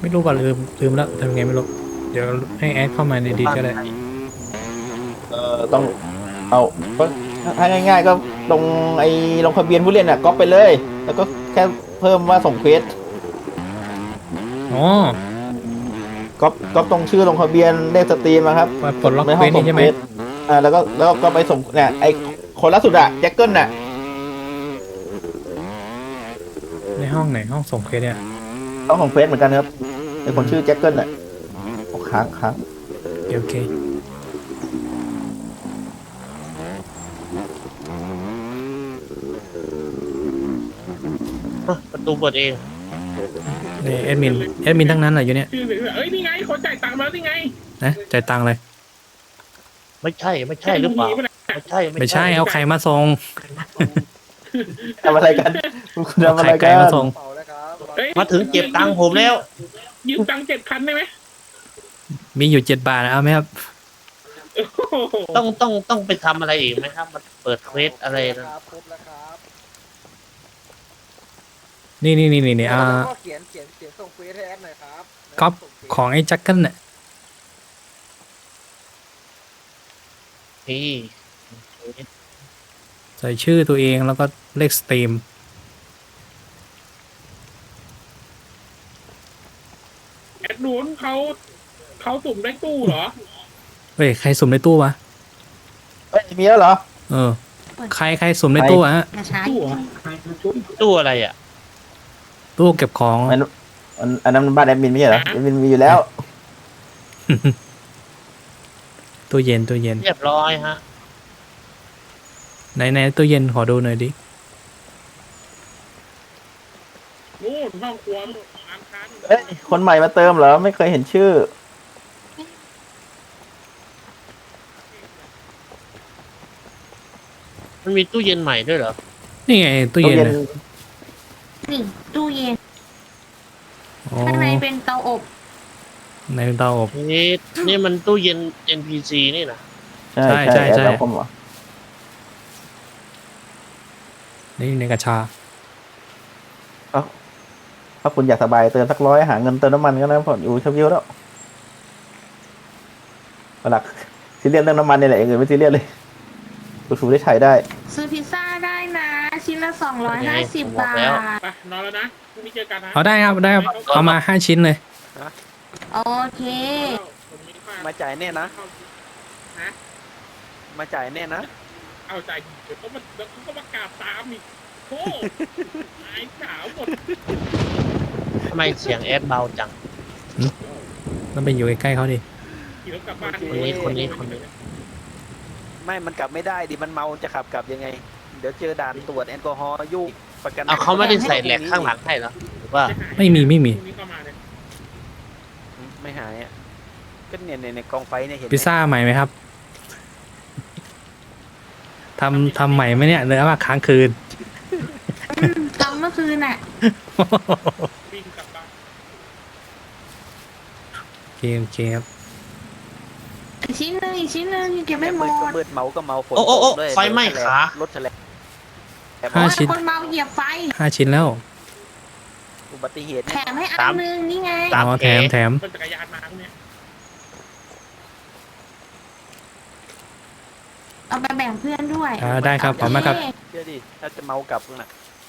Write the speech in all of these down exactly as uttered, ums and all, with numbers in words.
ไม่รู้ว่าลืมลืมแล้วทำไงไม่รู้เดี๋ยวให้แอดเข้ามาในดีก็ได้เออต้องเอาก็ถ้าง่ายๆก็ลงไอ้ลงทะเบียนผู้เล่นอ่ะก๊อปไปเลยแล้วก็แค่เพิ่มว่าส่งเควสอ๋อก๊อปก๊อปตรงชื่อลงทะเบียนเลขสตรีมนะครับว่าปลดล็อกในห้เควสนี่ใช่ไหมองส่งเควสอ่าแล้วก็แล้วก็ไปส่งเนี่ยไอ้คนล่าสุดอะแจ็คเกิลน่ะในห้องไหนห้องส่งเควสเนี่ยต้องของเควสเหมือนกันครับไอ้คนชื่อแจ็คเกิลน่ะโอ้ค้างค้างโอเคประตูเปิดเองนี่แอดมินแอดมินทั้งนั้นแหละอยู่เนี่ยชื่อเอ้ยนี่ไงคนจ่ายตังค์มาแล้วนี่ไงนะจ่ายตังค์เลยไม่ใช่ไม่ใช่หรือเปล่าไม่ใช่ไม่ใช่เอาไข่มาส่งทำอะไรกันคุณเอาทำอะไรไข่ไก่กันมาส่งมาถึงเก็บตังค์ผมแล้วยืมตังค์เจ็ดพันได้ไหมมีอยู่เจ็ดบาทเอาไหมครับต้องต้องต้องไปทำอะไรอีกไหมครับมันเปิดเควสอะไรนะนี่นี่นี่นี่นี่อ่าเขียนเขียนเขียนส่งเฟซให้แอดหน่อยครับก๊อปของไอ้แจ็คเกิลเนี่ยนี่ใส่ชื่อตัวเองแล้วก็เลขสตรีมแอดนู้นเขาเขาสุ่มได้ตู้เหรอเฮ้ยใครสุ่มในตู้วะเฮ้ยมีแล้วเหรอเออใครใครสุ่มในตู้อะฮะตู้เหรอตู้อะไรอ่ะตู้เก็บของอันอันนั้นบ้านแอดมินไม่ใช่เหรอแอดมินมีอยู่แล้วตู้เย็นตู้เย็นเรียบร้อยฮะไหนไหนตู้เย็นขอดูหน่อยดินู่นห้องครัวร้านค้าเอ้ยคนใหม่มาเติมเหรอไม่เคยเห็นชื่อมันมีตู้เย็นใหม่ด้วยเหรอนี่ไงตู้เย็นนี่ตู้เย็นข้างในเป็นเตาอบในเตาอบนี่นี่มันตู้เย็น เอ็น พี ซี นี่นะใช่ใช่ใช่นี่ในกระชาถ้าคุณอยากสบายเติมสักร้อยหาเงินเติมน้ำมันก็ได้ผ่อนอยู่เช่าๆแล้วหลักซีเรียสเรื่องน้ำมันนี่แหละเองไม่ซีเรียสเลยคุณสูได้ใช้ได้ซื้อพิซซ่าได้นะชิ้นละสองร้อยห้าสิบบาทไปนอนแล้วนะพรุ่งนี้เจอกันนะเอาได้ครับได้ครับเอามาห้าชิ้นเลยโอเคมาจ่ายแน่นะมาจ่ายแน่นะเอาใจเดี๋ยวก็มาเดี๋ยวก็มากราบตามอีกโอ้หายขาวหมดทำไมเสียงแอดเบาจังต้องไปอยู่ใกล้ๆเขาดิคนนี้คนนี้คนนี้ไม่มันกลับไม่ได้ดิมันเมาจะขับกลับยังไงเดี๋ยวเจอด่านตรวจแอลกอฮอล์ยุ่งประกันเอาเขาไม่ได้ใส่แหลกข้างหลังให้เหรอหรือว่าไม่มีไม่มีไม่หายอ่ะก็เนี่ยในกองไฟเนี่ยเห็นพิซซ่าใหม่ไหมครับทำทำใหม่ไหมเนี่ยเนื้อมาค้างคืนทำเมื่อคืนน่ะโอเคโอเคครับชิ้นนึงอีกชิ้นนึงเก็บไม่หมดก็มืดเมาก็เมาฝนโอ้โอ้ไฟไหม้ขารถแฉลบห้าชิ้นคนเมาเหยียบไฟห้าชิ้นแล้วอุบัติเหตุแถมให้อันนึงนี่ไงอ๋อแถมแถมจักรยานมาเนี่ยเอาไปแบ่งเพื่อนด้วยอ่าได้ครับขอบคุณมากครับเชื่อดิถ้าจะเมากลับน่ะ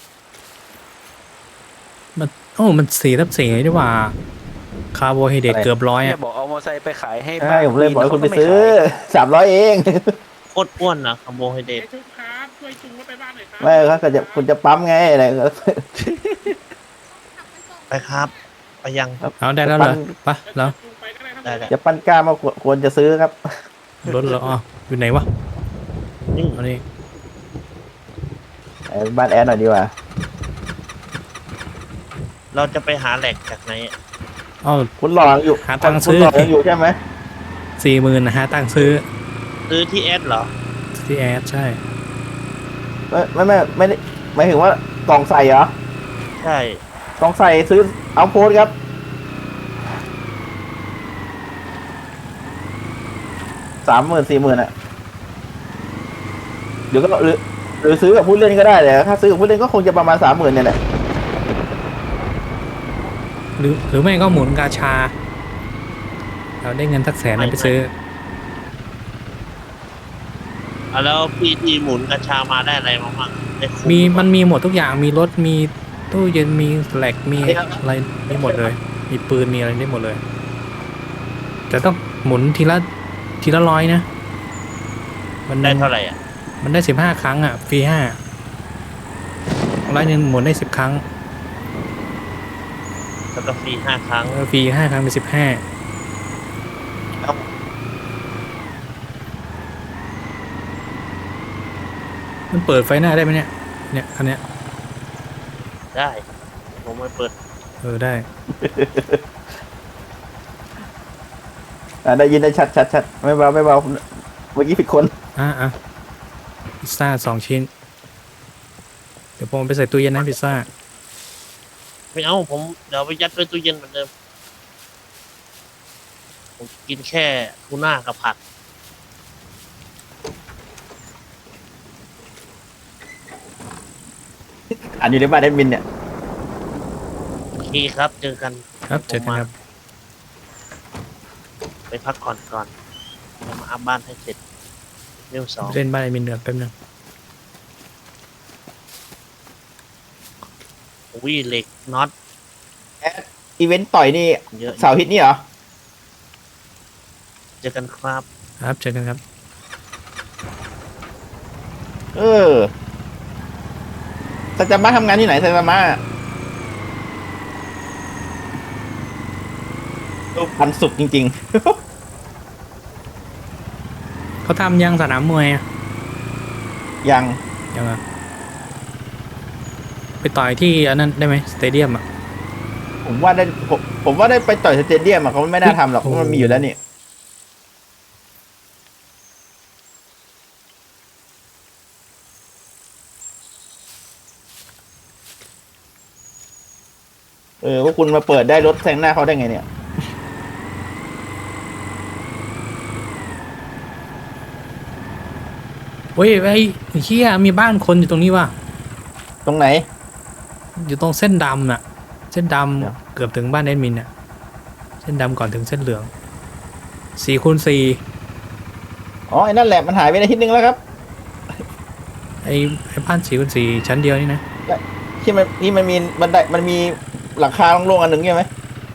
มันโอ้มันสี่ทับสี่ดีกว่าคาร์โบไฮเดรตเกือบร้อยอ่ะบอกเอามอไซค์ไปขายให้ใช่ผมเลยบอกให้คุณไปซื้อสามร้อยเองโคตรอ้วนนะคาร์โบไฮเดรตช่วยจุงรถไปบ้านหน่อยครับไม่ครับจะคุณจะปั๊มไงอะไรไปครับไปยังเอาได้แล้วเหรอปะแล้วจะปั้นกล้ามาควรจะซื้อครับรถเหรออ๋ออยู่ไหนวะนี่อันนี้บ้านแอดหน่อยดีกว่าเราจะไปหาแหลกจากไหนอ๋อคุณหลอกอยู่หาตังค์ซื้ออยู่ใช่ไหมสี่หมื่นนะฮะตังค์ซื้อซื้อที่แอดเหรอที่แอดใช่ไม่ไม่ไม่ไม่ได้หมายถึงว่ากล่องใส่เหรอใช่กล่องใส่ซื้อเอาโพสครับสามหมื่นสี่หมื่นอ่ะเดี๋ยวก็หรือหรือซื้อกับผู้เล่นก็ได้แต่ถ้าซื้อกับผู้เล่นก็คงจะประมาณสามหมื่นเนี่ยแหละหรือหรือไม่ก็หมุนกาชา เราได้เงินสักแสนไปซื้อเอาแล้วพี่ที่หมุนกระชามาได้อะไรบ้างบ้างได้คุ้มีมันมีหมดทุกอย่างมีรถมีตู้เย็นมีแหลกมีอะไรมีหมดเลย มีปืนมีอะไรได้หมดเลย แต่ต้องหมุนทีละทีละร้อยนะมันได้เท่าไหร่อ่ะมันได้สิบห้าครั้งอ่ะฟรีห้าร้อยหนึ่งหมุนได้สิบครั้งแล้วก็ฟรีห้าครั้งเออฟรีห้าครั้งเป็นสิบห้าแล้วมันเปิดไฟหน้าได้ไหมเนี่ยเนี่ยคันเนี้ยได้ผมไม่เปิดเออได้อ่าได้ยินได้ชัดชัดชัดไม่เบาไม่เบาเมื่อกี้ผิดคนอ่ะอ่ะพิซซ่าสองชิ้น เดี๋ยวผมเอาไปใส่ตู้เย็นนะพิซซ่าไม่เอาผมเดี๋ยวเอาไปยัดไว้ตู้เย็นเหมือนเดิมผมกินแค่ทูน่ากับผักอ่านอยู่ในบ้านแอดมินเนี่ยโอเคครับเจอกันครับเจอกันครับไปพักก่อนก่อนเดี๋ยวมาอัพบ้านให้เสร็จเรื่องสองเล่นบ้านไอ้มินเดือดแป๊บนึงวิเหล็กน็อตอีเวนต์ต่อยนี่เยอะเสาร์อาทิตย์นี่เหรอเจอกันครับครับเจอกันครับเออซาจามะทำงานที่ไหนซาจามะรูปพันสุดจริงเขาทำยังสนามมวยอะๆ ยังยังอะไปต่อยที่อันนั้นได้ไหมสเตเดียมอ่ะผมว่าได้ผมผมว่าได้ไปต่อยสเตเดียมอะเขาไม่น่าทำหรอกเพราะมันมีอยู่แล้วนี่เออพวกคุณมาเปิดได้รถแซงหน้าเขาได้ไงเนี่ยเฮ้ยไอ้เฮียมีบ้านคนอยู่ตรงนี้ว่ะตรงไหนอยู่ตรงเส้นดำน่ะ เส้นดเดี๋ยวำเกือบถึงบ้านแอดมินน่ะ เส้นดำก่อนถึงเส้นเหลืองสี่คูณสี่อ๋อไอ้นั่นแหละมันหายไปในอาทิตย์นึงแล้วครับไอ้ไอ้บ้านสี่คูณสี่ชั้นเดียวนี่นะที่มันที่มันมีบันไดมันมีหลังคาโล่งๆอันหนึ่งใช่ไหม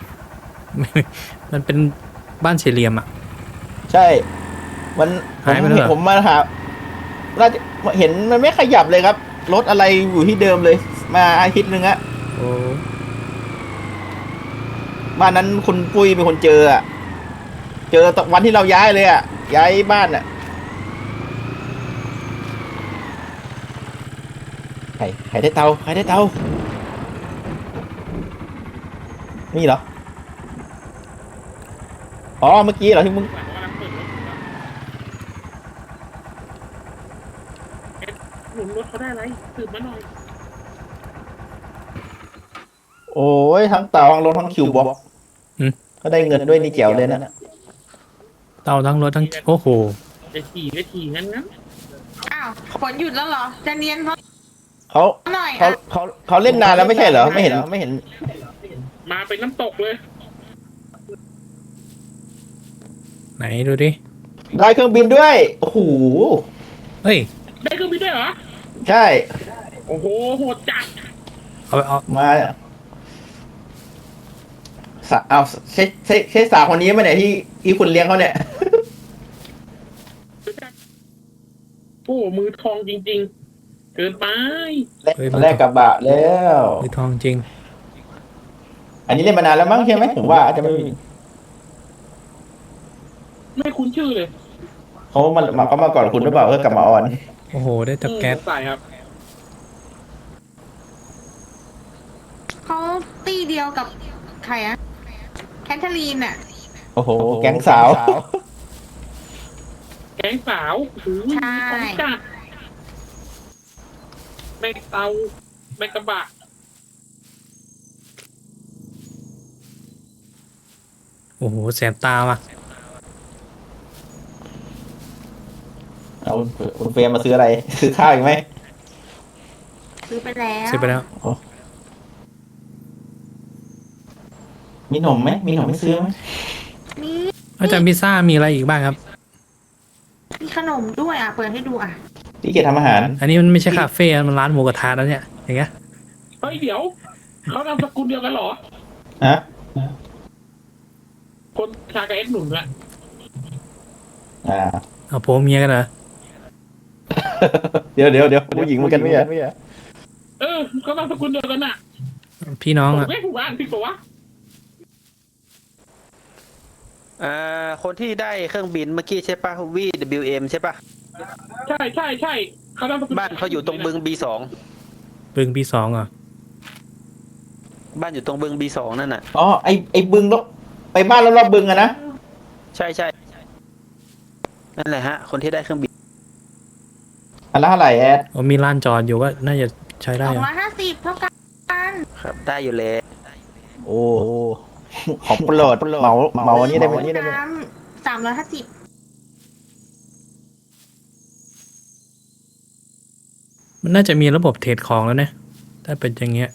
มันเป็นบ้านสี่เหลี่ยมอ่ะใช่ มันผหายมไปแล้วเหรอผมมาหาน่าจะเห็นมันไม่ขยับเลยครับ รถอะไรอยู่ที่เดิมเลย มาอาทิตย์หนึ่งอะโอ้บ้านนั้นคุณปุ้ยเป็นคนเจออะเจอตอนวันที่เราย้ายเลยอะย้ายบ้านอะใครใครได้เตาใครได้เตานี่เหรอ อ๋อ เมื่อกี้เหรอที่มึงหลังกำลังเปิดรถอยู่นะเอ๊ะหนุนรถเขาได้อะไรสืบมาหน่อยโอ้ยทั้งเตาทั้งรถทั้งคิวบ็อกซ์ก็ได้เงินด้วยนี่แจ๋วเลยนะเตาทั้งรถทั้งโอ้โหจะขี่ก็ขี่งั้นงั้นอ้าวฝนหยุดแล้วเหรอ จะเนียนเขาเขาหน่อยเขาอ่ะเขาเขาเล่นนานแล้วไม่ใช่เหรอ ไม่เห็นไม่เห็นมาเป็นน้ำตกเลยไหนดูดิได้เครื่องบินด้วย โอ้โหเฮ้ยได้เครื่องบินด้วยเหรอใช่โอ้โหโหดจัดเอาไปเอามาสาเอาใช่ใช่ใช่สาวคนนี้ไหมเนี่ยที่ที่คุณเลี้ยงเขาเนี่ยโอ้โหมือทองจริง ๆ เกินไปแรกกระบะแล้วมือทองจริงอันนี้เล่นมานานแล้วมั้งใช่ไหมผมว่าอาจจะไม่ไม่คุ้นชื่อเลยเขามามาเขามาก่อนคุณหรือเปล่าเออกลับมาออนโอ้โห ได้ตะแก๊สใส่ครับเขาตีเดียวกับใครอะแคทเธอรีนอะโอ้โห แก๊งสาวแก๊งสาวโอ้โหใช่ของจัดแม่เตาแม่กระบะโอ้โห แสบตาว่ะเอาคุณเฟรมมาซื้ออะไร ซื้อข้าวอีกไหมซื้อไปแล้วซื้อไปแล้วมีหนมไหมมีหนมไม่ซื้อไหมมีอาจารย์พิซซ่ามีอะไรอีกบ้างครับมีขนมด้วยอ่ะ เปิดให้ดูอ่ะพี่เกดทำอาหารอันนี้มันไม่ใช่คาเฟ่มันร้านหมูกระทะแล้วเนี่ยอย่างเงี้ยเฮ้ยเดี๋ยวเขานามสกุลเดียวกันเหรอฮะคนชากับเอ็ดหนุ่มอะอ่าเอาผัวเมียกันเหรอเดี๋ยวเดี๋ยวเดี๋ยวผู้หญิงเหมือนกันไม่ใช่เออเขานามสกุลเดียวกันน่ะพี่น้องผมอ่ะไม่ถูกบ้านพี่ตัววะอ่าคนที่ได้เครื่องบินเมื่อกี้ใช่ปะ วี ดับเบิลยู เอ็ม ใช่ปะใช่ใช่ใช่เขานามสกุลบ้านเขาอยู่ตรงบึง บี สองบึงปีสองเหรอ่ะบ้านอยู่ตรงบึง บี สอง นั่นน่ะอ๋อไอไอบึงรอบไปบ้านรอบๆบึงอะนะใช่ใช่นั่นแหละฮะ คนที่ได้เครื่องบินอันละเท่าไหร่แอดมีร้านจอดอยู่ก็น่าจะใช้ได้สองอะร้อยห้าสิบเท่ากันครับ ได้อยู่แล้วโอ้ของโปรดเหมาเหมาอันนี้ได้ไหมนี่ได้ไหมน้ำสามร้อยห้าสิบมันน่าจะมีระบบเทรดของแล้วนะถ้าเป็นอย่างเงี้ย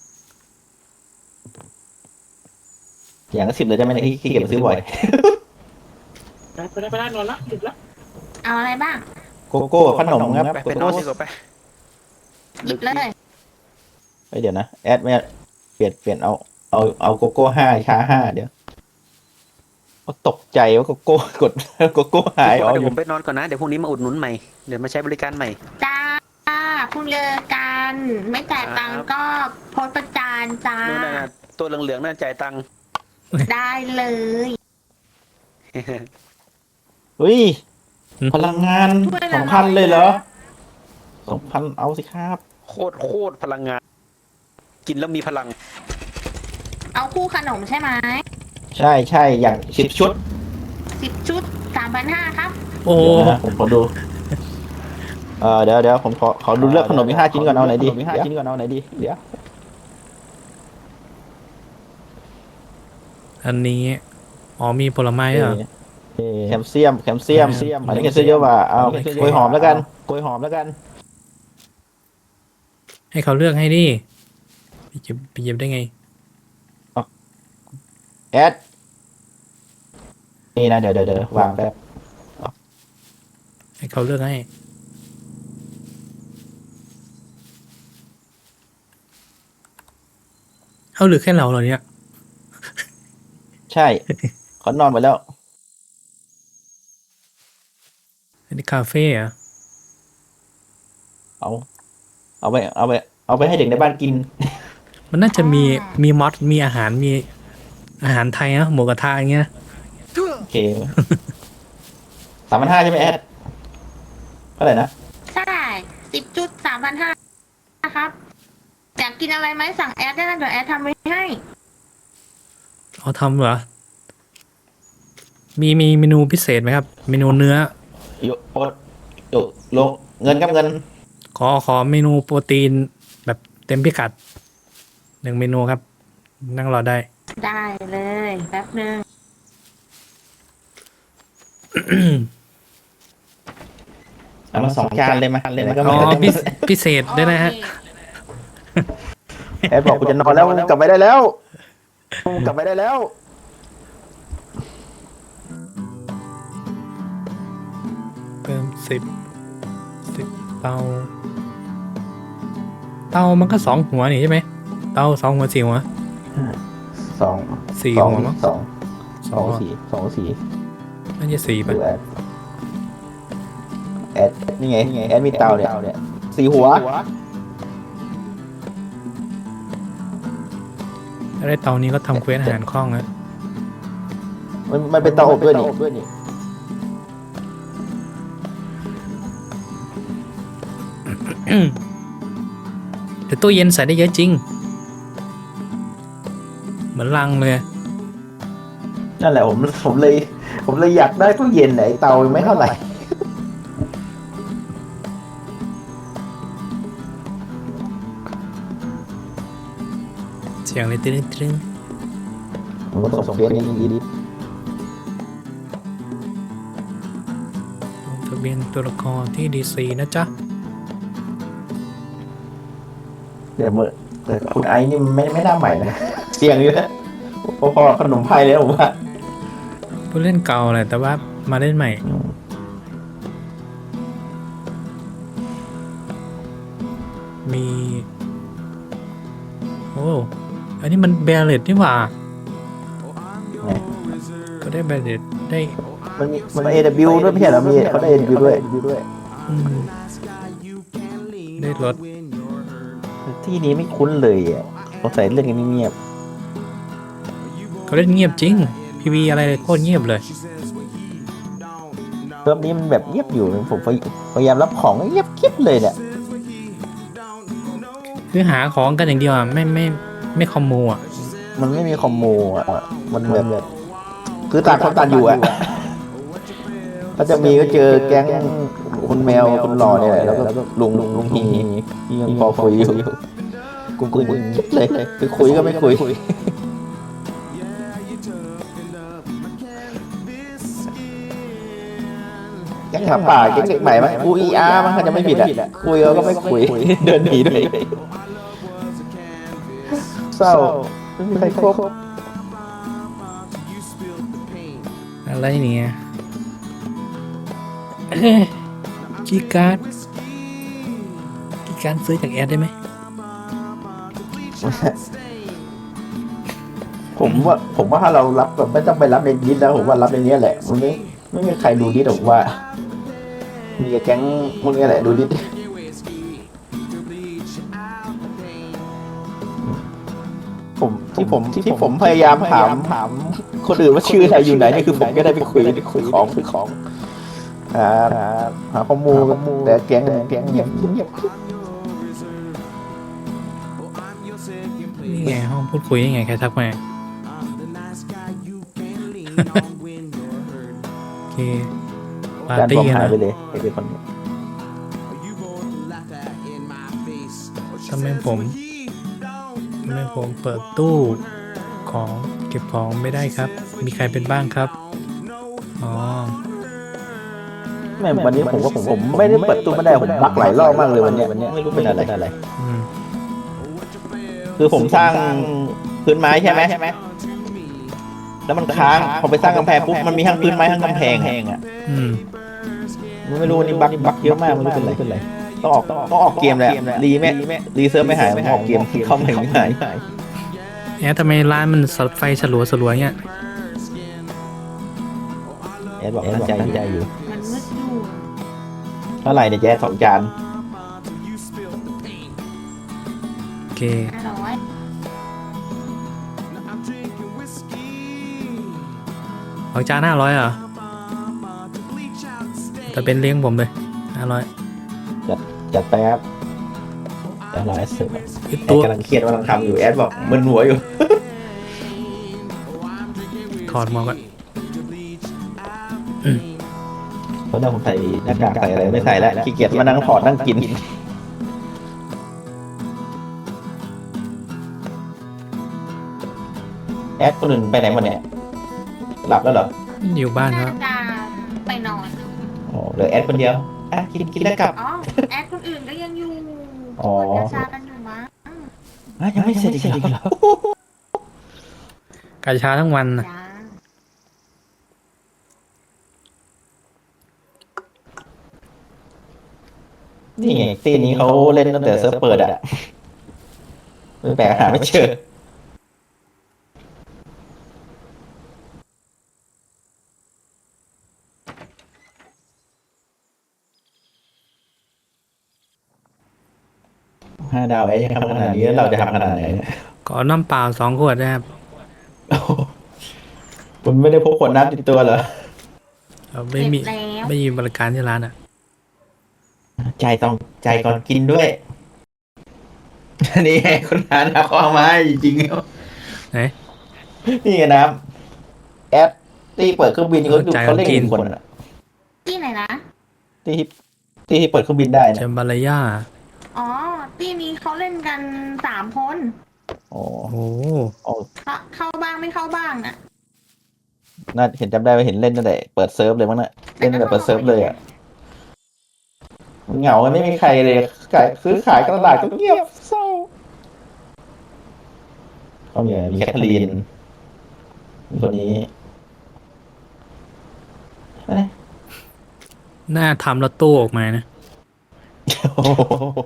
อย่างละสิบเลยได้ไหมเนี่ยที่ที่เก็บไปซื้อบ่อยไปไปได้ไปได้นอนละดึกละเอาอะไรบ้างโกโก้ขนมครับไปโกเป็นนโก้อนดีกว่าไปหยิบเลยเฮ้ยเดี๋ยวนะแอดไม่เปลี่ยนเปลี่ยนเอาเอาเอาโกโก้ห้าชาห้าเดี๋ยวตกใจว่าโกโก้กดโกโก้หายอ๋อเดี๋ยอวผยู่มไปนอนก่อนนะ เดี๋ยวพรุ่งนี้มาอุดหนุนใหม่ เดี๋ยวมาใช้บริการใหม่จ้าคุณเจอกัน ไม่จ่ายตังค์ก็โพสต์ประจานจ้านู่นน่ะตัวเหลืองๆนั่นจ่ายตังค์ได้เลยเฮ้ยพลังงานสองพันเลยเหรอสองพันเอาสิครับโคตรโคตรพลังงาน กินแล้วมีพลังเอาคู่ขนมใช่ไหมใช่ใช่อย่างสิบชุดสิบชุดสามพันห้าครับโอ้เดี๋ยวนะผมขอดูเออเดี๋ยวเดี๋ยวผมขอขอดูเลือกขนมอีกห้าชิ้นก่อนเอาไหนดีห้าชิ้นก่อนเอาไหนดีเดี๋ยวอันนี้อ๋อมีผลไม้เหรอแคลเซียมแคลเซียมอันนี้แคลเซียมเยอะกว่าเอากล้วยหอมแล้วกันกล้วยหอมแล้วกันให้เขาเลือกให้ดิไปหยิบไปหยิบได้ไงแอดนี่นะเดี๋ยวเดี๋ยวเดี๋ยววางแป๊บให้เขาเลือกให้เอาหรือแค่เราเหรอเนี่ยใช่เขานอนไปแล้วอันนี้คาเฟ่เหรอะเอาเอาไปเอาไปเอาไปให้เด็กในบ้านกินมันน่าจะมีมีมอสมีอาหารมีอาหารไทยนะหมูกระทะอย่างเงี้ยโอเคสามพันห้าใช่ไหมแอดเท่าไหร่นะใช่สิบจุดสามพันห้าครับ อยากกินอะไรไหมสั่งแอดได้นะเดี๋ยวแอดทำไว้ให้เอาทำเหรอ มีมีเมนูพิเศษไหมครับ เมนูเนื้อโยโอดโยโลเงินครับเงินขอขอเมนูโปรตีนแบบเต็มพิกัดหนึ่งเมนูครับ นั่งรอได้ได้เลยแป๊บนึงเอามาสองจานเลยมาเลยนะก็อ๋ไม่อได้พิพิเศษด้วยนะฮะแอดบอกกูจะนอนแล้วกลับไปได้แล้วกลับไปได้แล้วเพิ่มสิบสิบเตา เตามันก็สองหัวนี่ใช่ไหมเตาสองหัวสี่หัวสองสี่สองหัวมั้งสองสสออง งสี่สองสี่น่าจะสี่ดูป่ะแอดแอดนี่ไงนี่ไงแอดมีเตาเนี่ยสี่หัวแล้วได้เตานี้ก็ทำเควสอาหารคล่องนะมันมันเป็นเตาอบด้วยนี่แต่ตู้เย็นใส่ได้เยอะจริง เหมือนลังเลยนั่นแหละผมผมเลย ผมเลยอยากได้ตู้เย็นไหนเตาไม่เท่าไหร่เสียงเลยตึ้งตึ้งผมก็ส่งเฟซนี้ดีลงทะเบียนตัวละครที่ดีซีนะจ๊ะเดี๋ยวเมื่อแต่คุณไอ้นี่ไม่ไม่น่าใหม่นะเสียงอยู่นะผพอๆขนมไทยเลยนะผมว่าผู้เล่นเก่าแหละแต่ว่ามาเล่นใหม่ มี โอ้ อันนี้มันแบรเลตนี่หว่า ก็ได้แบรเลตได้มันมีมัน เอ ดับเบิลยู ด้วยไม่ใช่เหรอมีเขาได้ เอ ดับเบิลยู ด้วยอืมได้รถที่นี้ไม่คุ้นเลยอ่ะสงสัยเรื่องนี้เงียบเขาเล่นเงียบจริง พีวีอะไรโคตรเงียบเลยเทอมนี้มันแบบเงียบอยู่ผมพยายามรับของเงียบคลิปเลยเนี่ยคือหาของกันอย่างเดียวอ่ะ ไม่ไม่ไม่คอมมูอ่ะมันไม่มีคอมโมอ่ะมันแบบคือต่างคนต่างอยู่อ่ะถ้าจะมีก็เจอแก๊งคุณแมวคุณหล่อเนี่ยแหละแล้วก็ลุงลุงลุงฮียังพอคุยอยู่กูคุยคิดเลยคือคุยก็ไม่คุยแก๊งหมาป่าแก๊งเด็กใหม่ไหมกูอีอาร์มันก็จะไม่ผิดอ่ะคุยก็ไม่คุยเดินหนีด้วยเศร้าไม่มีใครครบอะไรเนี่ยเอ้ยคีย์การ์ดคีย์การ์ดซื้อจากแอดได้ไหมผมว่าผมว่าถ้าเรารับแบบไม่ต้องไปรับในดิสแล้วผมว่ารับในนี้แหละมันไม่ไม่มีใครดูดิสหรอกว่า มีแก๊งพวกนี้แหละดูดิสผมที่ผมที่ผมพยายามถามถามคนอื่นว่าชื่ออะไรอยู่ไหนนี่คือผมก็ได้ไปคุยคุยของคุยของหาหาหาข้อมูลแต่แก๊งแก๊งเงียบเงียบนี่ไงห้องพูดคุยยังไงใครทักมาโอเคปาร์การตี้บอมกันหายนะไปเลยไอ้คนนี้ทำไมผมทำไมผมเปิดตู้ของเก็บของไม่ได้ครับ มีใครเป็นบ้างครับอ๋อแม่วันนี้ผมว่าผมผมไม่ได้เปิดตู้ไม่ได้ผมบักหลายรอบมากเลยวันเนี้ยวันเนี้ยไม่รู้เป็นอะไรอืมคือผมสร้างพื้นไม้ใช่ไหมแล้วมันค้างพอไปสร้างกำแพงปุ๊บมันมีทั้งพื้นไม้ทั้งกำแพงอ่ะอืมไม่รู้วันนี้บักบักเยอะมากไม่รู้เป็นไรต้องออกต้องออกเกมแหละรีแม่รีเซิร์ฟไม่หายออกเกมเข้าไม่หายแอดทำไมร้านมันสไฟสลัวสลัวๆเนี่ยแอดบอกตั้งใจใจอยู่มันมืดอยู่เท่าไหร่เนี่ยแจ๊สสองจานโอเคห้าร้อยของจานห้าร้อยเหรอแต่เป็นเลี้ยงผมเลยห้าร้อยจัดไปครับจัดหลายเสิร์ฟคือแอตัดวกำลังเครียดกำลังทำอยู่แอดบอกมึนหัวอยู่ถอดหมวกอะเพราะเดี๋ยวผมใส่หน้ากากใส่อะไรไม่ใส่แล้วขี้เกียจมานั่งถอดนั่งกินแอดคนอื่นไปไหนหมดเนี่ยหลับแล้วเหรออยู่บ้านคน่ารับจะไปนอนอ๋อเหลือแอดคนเดียวอ่ะกินกินแล้วกลับอ๋อ แอดคนอื่นก็ยังอยู่อ๋อกดยาชากันอยู่มั้งอ่ะยังไม่เสร็จอีกเหรอกาชาทั้งวันนะจ้านี่ไงตีนี้เขาเล่นตั้งแต่เซิร์ฟเปิดอ่ะไม่แปลกหาไม่เจอห้าดาวไอ้ยังทำขนาดนี้แล้วเราจะทำขนาดไหนเนี่ยขอน้ำเปล่าสองขวดนะครับโอ้โหคุณไม่ได้พกขวดน้ำติดตัวเหรอเราไม่มีเสร็จแล้วไม่มีบริการที่ร้านอ่ะใจต้องใจก่อนกินด้วย นี่ไงคุณร้านเอาเข้ามาจริงๆแล้วไหนนี่ไงน้ำแอดที่เปิดเครื่องบินเขาดูเขาเล่นกี่คนอ่ะที่ไหนนะที่ที่ที่เปิดเครื่องบินได้เจนะมบาลายาอ๋อ ที่นี้เขาเล่นกันสามคนอ๋อโอ้โหอ๋อเข้าเข้าบ้างไม่เข้าบ้างน่ะน่าเห็นจำได้ว่าเห็นเล่นตั้งแต่เปิดเซิร์ฟเลยมั้งน่ะเล่นตั้งแต่เปิดเซิร์ฟเลยอ่ะเหงาไม่มีใครเลยขายซื้อขายตลาดก็เงียบเศร้าเขามีมีแคทเธอรีนมีคนนี้เอ้ยหน้าทำแล้วตู้ออกมานะโอ้โห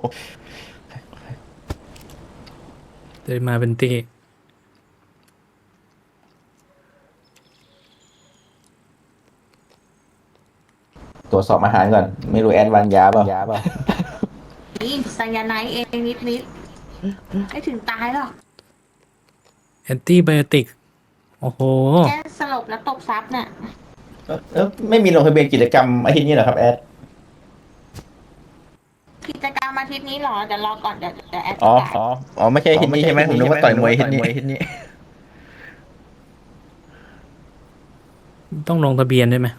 เดินมาเป็นตีตรวจสอบอาหารก่อน ไม่รู้แอนวางยาเปล่ายาเปล่านี่ไซยาไนด์เองนิดนิดๆไม่ถึงตายหรอกแอนตี้ไบโอติก โอ้โหแค่สลบแล้วตบซับเนี่ยเออไม่มีลงทะเบียนกิจกรรมอาทิตย์นี้เหรอครับแอดกิจกรรมอาทิตย์นี้เหรอเดี๋ยวรอก่อนเดี๋ยวเดี๋ยวแอดปอ๋อระกาศอ๋ออ๋อไม่ใช่อาทิตย์นี้ใช่ไหมผมนึกว่าต่อยมวยอาทิตย์นี้ต้องลงทะเบียนด้วยไหม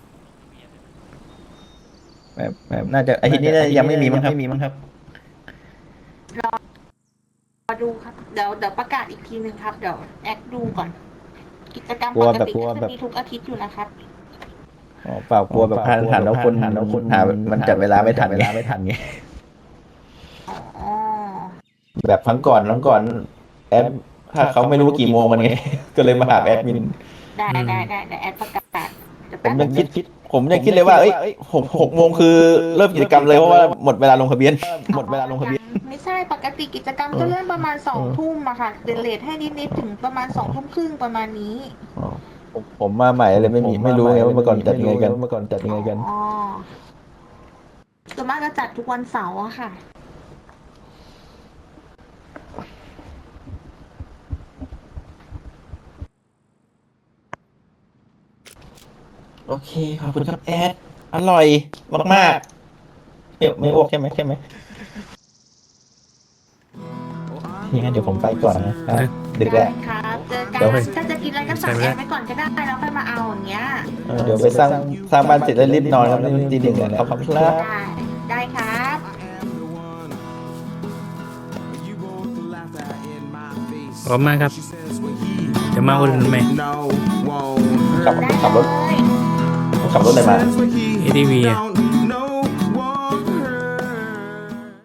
แบบแบบน่าจะอาทิตย์นี้น่าจะยังไม่มีมั้งครับมีมั้งครับรอดูครับเดี๋ยวเดี๋ยวประกาศอีกทีหนึ่งครับเดี๋ยวแอดดูก่อน กิจกรรมกลัปวกแบบติกลัวก็แบจะบมีทุกอาทิตย์อยู่นะครับอ๋อเปล่ากลัวแบบพลาดหันแล้วคนหันแล้วคนหามันจัดเวลาไม่ทันเวลาไม่ทันไงอ๋อแบบครั้งก่อนครั้งก่อนแอดถ้าเขาไม่รู้กี่โมงมันไง ก็เลยมาหาแอดมินได้อืมได้ได้เดี๋ยวแอดประกาศเดี๋ยวผแป๊มบยังคิดคิด ผมยังคิดเลยว่าเอ้ยหกหกโมงคือเริ่มกิจกรรมเลยเพราะว่าหมดเวลาลงทะเบียน หมดเวลาลงทะเบียนยังไม่ใช่ปกติกิจกรรมจะเริ่มประมาณสองทุ่มอะค่ะเดเลทให้นิดๆถึงประมาณสองทุ่มครึ่งประมาณนี้ผมผมมาใหม่เลยไม่มีไม่รู้ไงว่าเมื่อก่อนจัดยังไงกันเมื่อก่อนจัดยังไงกันอ๋อส่วนมากจะจัดทุกวันเสาร์อะค่ะโอเคขอบคุณครับแอดอร่อยมากๆไม่ไม่อ้วกใช่ไหมใช่ไหมยังไงนเดี๋ยวผมไปก่อนนะครับดึกได้แล้วครับเจอกัเดี๋ยวน ให้ถ้าจะกินอะไรก็สั่งแอดไปก่อนก็ได้แล้วค่อยมาเอาอย่างเงี้ยเออเดี๋ยวไปสร้างสร้างบ้านเสร็จแล้วรีบนอนครับนี่ตีหนึ่งแล้วขอบคุณครับได้ได้ครับพร้อมมากครับ จะมาอุดหนุนไหมขับได้ขับรถเลยขับรถอะไรมาเอ ดี วี อะ